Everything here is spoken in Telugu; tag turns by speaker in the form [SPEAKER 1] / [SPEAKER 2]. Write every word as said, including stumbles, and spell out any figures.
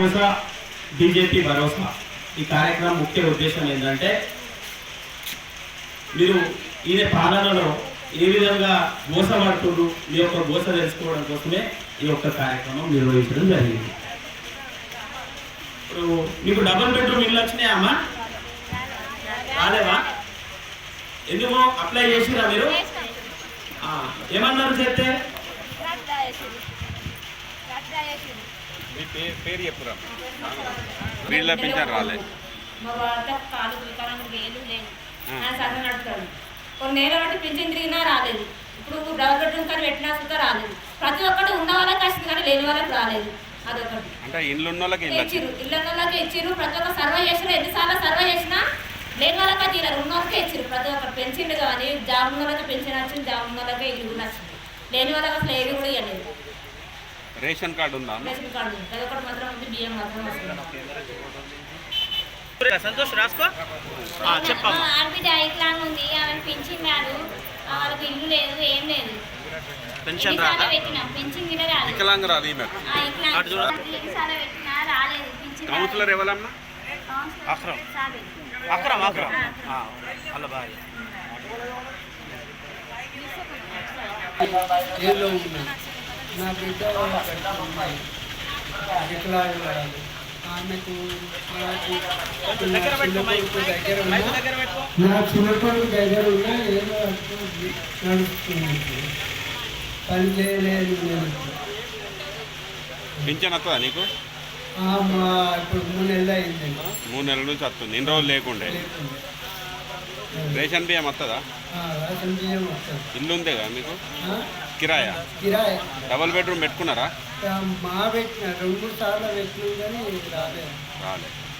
[SPEAKER 1] గోసా బీజేపీ భరోసా ఈ కార్యక్రమం ముఖ్య ఉద్దేశం ఏంటంటే మీరు ఈయన పాలనలో ఏ విధంగా గోస పడుతుండ్రు మీ యొక్క గోస తెలుసుకోవడం కోసమే ఈ యొక్క కార్యక్రమం నిర్వహించడం జరిగింది. ఇప్పుడు మీకు డబుల్ బెడ్రూమ్ ఇల్లు వచ్చినాయా అమ్మా? రాలేవా? ఎందుకు అప్లై చేసిరా మీరు? ఏమన్నారు చెప్తే
[SPEAKER 2] పేరు చెప్పురా. వీళ్ళ పింఛన్ రాలే.
[SPEAKER 3] మా భర్త కాలు వికలాంగుడు లేదు లేదు ఆయన సగం నడుపుతాడు. కొన్ని నెలల బట్టి పింఛన్ తిరిగినా రాలేదు. ఇప్పుడు డబుల్ బెడ్రూమ్ కానీ పెట్టినా సుతా రాలేదు. ప్రతి ఒక్కటి ఉన్న వాళ్ళకి వచ్చింది కానీ లేని వాళ్ళకి రాలేదు. అదొకటి.
[SPEAKER 2] అంటే ఇల్లు ఉన్న వాళ్ళకి
[SPEAKER 3] ఇచ్చిర్రు, ఇల్లు ఉన్న వాళ్ళకి ఇచ్చిర్రు. ప్రతి ఒక్క సర్వే చేసినా ఎన్నిసార్లు సర్వే చేసినా లేని వాళ్ళకి తీరారు, ఉన్న వాళ్ళకే ఇచ్చిర్రు. ప్రతి ఒక్కటి పెంచిండు కానీ జాబ్ ఉన్న వాళ్ళకి పెన్షన్ వచ్చింది, జాబ్ ఉన్న వాళ్ళకే ఇల్లు నచ్చింది. లేని వాళ్ళకి అసలు ఏది కూడా ఇవ్వలేదు.
[SPEAKER 2] రేషన్ కార్డు ఉందా?
[SPEAKER 3] రేషన్ కార్డు ఉంది, అదొకటి మాత్రం ఉంది, బియ్యం మాత్రం వస్తుంది.
[SPEAKER 1] సంతోష్ రాసుకో చెప్పమ్మా.
[SPEAKER 4] ఆడబిడ్డ వికలాంగ్ ఉంది, ఆమె పెన్షన్ రాదు, వాళ్ళకి ఇల్లు లేదు, ఏం లేదు.
[SPEAKER 1] పెన్షన్ రాదా?
[SPEAKER 4] పెట్టినాం పెన్షన్ కూడా రాలేదు.
[SPEAKER 2] వికలాంగ్ రాదు ఈమె.
[SPEAKER 4] పెట్టినా రాలేదు పెన్షన్.
[SPEAKER 2] కౌన్సిలర్ ఎవరమ్మా?
[SPEAKER 1] అక్రమ్ అక్రమ్ అక్రమ్ అల్ల భార్య
[SPEAKER 5] ఏలో ఉన్నా నా బిడ్డ వికలాంగురాలు. ఆమెకు దగ్గర ఉన్నా నా చిన్నప్పటి దగ్గర ఉన్నా ఏదో నడుస్తుంది, పని చేయలేదు.
[SPEAKER 2] పింఛన్ వస్తుందా నీకు?
[SPEAKER 5] మా ఇప్పుడు మూడు నెలలు అయింది.
[SPEAKER 2] మూడు నెలల నుంచి వస్తుంది. ఇన్ని రోజులు లేకుండే. రేషన్ బియ్యం వస్తుందా?
[SPEAKER 5] రేషన్ బియ్యం వస్తుంది.
[SPEAKER 2] ఇల్లు ఉందే కదా మీకు? కిరాయా?
[SPEAKER 5] కిరాయి
[SPEAKER 2] డబల్ బెడ్రూమ్ పెట్టుకున్నారా?
[SPEAKER 5] మా పెట్టిన రెండు మూడు సార్లు పెట్టినాం కానీ రాలేదు.
[SPEAKER 2] రాలేదు.